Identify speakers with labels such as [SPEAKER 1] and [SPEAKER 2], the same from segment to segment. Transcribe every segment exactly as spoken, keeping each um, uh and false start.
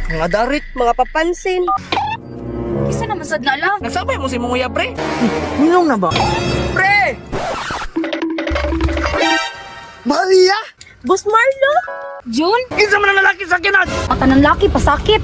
[SPEAKER 1] Mga darit, mga papansin.
[SPEAKER 2] Isa naman sad na love.
[SPEAKER 3] Nagsabay mo si Munguya, pre.
[SPEAKER 1] Minong na ba?
[SPEAKER 3] Pre!
[SPEAKER 1] Maria!
[SPEAKER 4] Boss Marlo?
[SPEAKER 2] June,
[SPEAKER 3] Kinsa man ang lalaki sa kinat!
[SPEAKER 2] mata ng laki pasakit.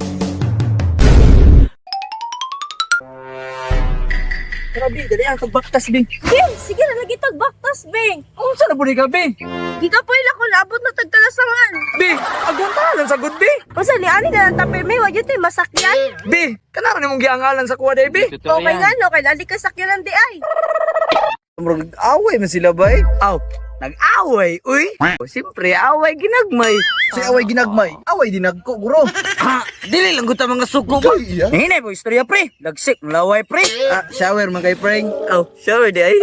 [SPEAKER 3] Grabe, dali ang tagbaktas, Bing.
[SPEAKER 4] Bing, sige na lagi tagbaktas, Bing.
[SPEAKER 3] Kung saan na po ni ka, Bing?
[SPEAKER 4] Di ka po ila ko labot na tagkalasangan.
[SPEAKER 3] Bing, agwantahan lang sa good, Bing.
[SPEAKER 4] Kasi ni ani na lang tapir may wag yun tayo masakyan.
[SPEAKER 3] Bing, kanara ni mong giangalan sa kuwa, day, Bing.
[SPEAKER 4] Okay nga no, kay lali ka sakyan di ay.
[SPEAKER 1] Nag-away man sila ba eh?
[SPEAKER 3] Aw, nag-away, uy. Siyempre, away ginagmay.
[SPEAKER 1] Si away ginagmay, away dinagko, guro.
[SPEAKER 3] Ha, dili lang guta mga suko ba?
[SPEAKER 1] Iya.
[SPEAKER 3] Hinay po, istorya, pre. Lagsik, laway, pre.
[SPEAKER 1] Ah, shower man kay Frank.
[SPEAKER 3] Aw, shower, day.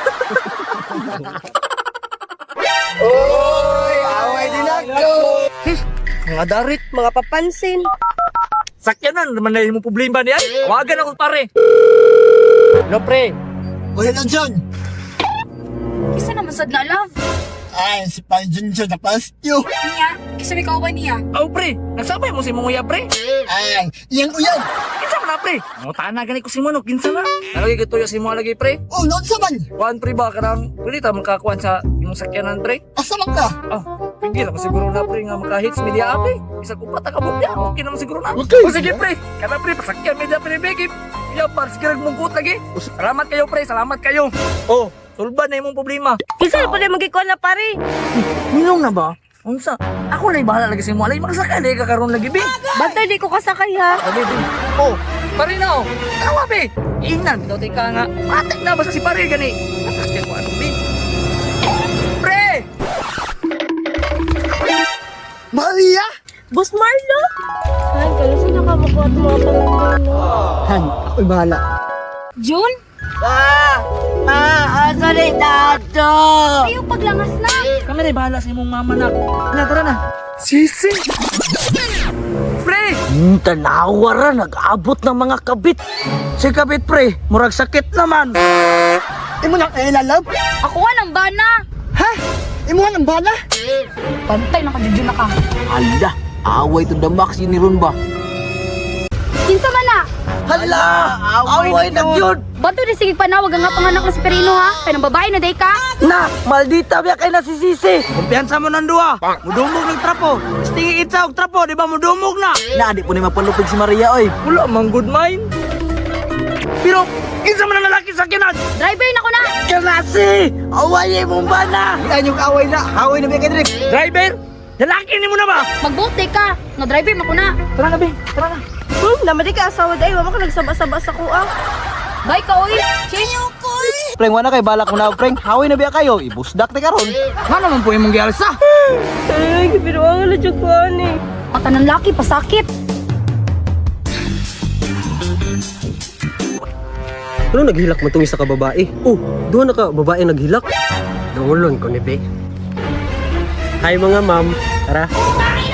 [SPEAKER 1] Oy, away dinagko.
[SPEAKER 4] Mga darit, mga papansin.
[SPEAKER 3] Sakyanan, naman na yung problema niyan. Wagan ako, pare. No, pre.
[SPEAKER 5] Wala lang dyan.
[SPEAKER 2] Isa naman sad na love.
[SPEAKER 5] Ay, si Panjun siya napas nyo.
[SPEAKER 2] Niya, isa may kauban niya.
[SPEAKER 3] Aw, pre. Nagsabay mo si Munguya, pre.
[SPEAKER 5] Ay, iyan uyan.
[SPEAKER 3] Kinsa man na, pre. Ang tana gani ko si Manok, kinsa na. Nalagay ko tuyo si mo lagi, pre.
[SPEAKER 5] Oh, noon sa man.
[SPEAKER 3] Kuan, pre ba? Karang, kulita makakuan sa yung sakyanan, pre.
[SPEAKER 5] Asa man ka?
[SPEAKER 3] Ah, hindi naman siguro na, pre, nga maka-hits media, pre. Isa ko pa takabot niya. Okay naman siguro na.
[SPEAKER 5] Okay.
[SPEAKER 3] O sige, pre. Kana, pre, pasakyan media, pre, Becky. Iya, par, sige, nagmungkot lagi. Salamat kayo, pre. Salamat kayo. Oh, sulban na yung problema.
[SPEAKER 4] Kinsa na po na magikuan na pare?
[SPEAKER 3] Minong na ba? Unsa? Ako na bahala lagi sa mo. Alay, magsakay na kakaroon lagi, be.
[SPEAKER 4] Bantay di ko kasakay ha.
[SPEAKER 3] Sabi, be. Oh, pare na, oh. Tawa, be. Ingnan, bitaw tayo ka nga. Matik na, basta si pare gani. Nakasya ko, ano, be. Pre!
[SPEAKER 5] Maria!
[SPEAKER 4] Boss Marlo? Ay, kalusin na ka makuha at mga palanggan.
[SPEAKER 5] Han, ako'y bahala.
[SPEAKER 2] June,
[SPEAKER 1] Ah! Ah, asa ni Tato?
[SPEAKER 2] ayaw paglangas na.
[SPEAKER 3] Kami na bahala sa imong mama na. Na, tara na. Sisi! Pre!
[SPEAKER 1] Hmm, tanawara, nag-abot ng mga kabit. Si kabit, pre, murag sakit naman.
[SPEAKER 5] Imo nang elalab?
[SPEAKER 2] Ako nga ng bana.
[SPEAKER 5] Ha? Imo nga ng bala?
[SPEAKER 2] Bantay na ka, June na ka.
[SPEAKER 1] Ala, away to the max yun ni Ron ba?
[SPEAKER 2] Kinsa man na?
[SPEAKER 1] Hala, away na yun.
[SPEAKER 2] Bato di sige panawag ang nga panganak na si Perino ha. Kaya ng babae na day ka.
[SPEAKER 1] Na, maldita biya kay nasisisi. Kumpiyansa mo ng duwa. Mudumog ng trapo. Stingi itsa og trapo, di ba mudumog na? Na, di po ni mapalupig si Maria, oy.
[SPEAKER 3] Wala mang good mind. Pero, kinsa man ang lalaki sa kinat?
[SPEAKER 2] Driver na ko na.
[SPEAKER 1] Kasi, away mo ba na?
[SPEAKER 5] Yan yung away na. Away na biya kay Drake.
[SPEAKER 3] Driver? Lalaki ni mo na ba?
[SPEAKER 2] Mag-boat day ka. No driver mo ko na.
[SPEAKER 3] Tara na, be. Tara na.
[SPEAKER 4] Hmm, namadi ka asawa day. Wala ka nagsaba-saba sa kuang.
[SPEAKER 2] Bye ka oy. Chinyo ko.
[SPEAKER 1] Preng, wala kay balak mo na, Preng. Haway na biya kayo. Ibusdak na karon.
[SPEAKER 3] Nga naman po yung mong gialsa.
[SPEAKER 4] Ay, kipiruang na dyan ko ani.
[SPEAKER 2] Mata ng laki pasakit.
[SPEAKER 6] Ano naghilak mo itong isa ka babae? Oh, doon na ka babae naghilak. Dungulon ko ni Be. Hi mga ma'am. Tara.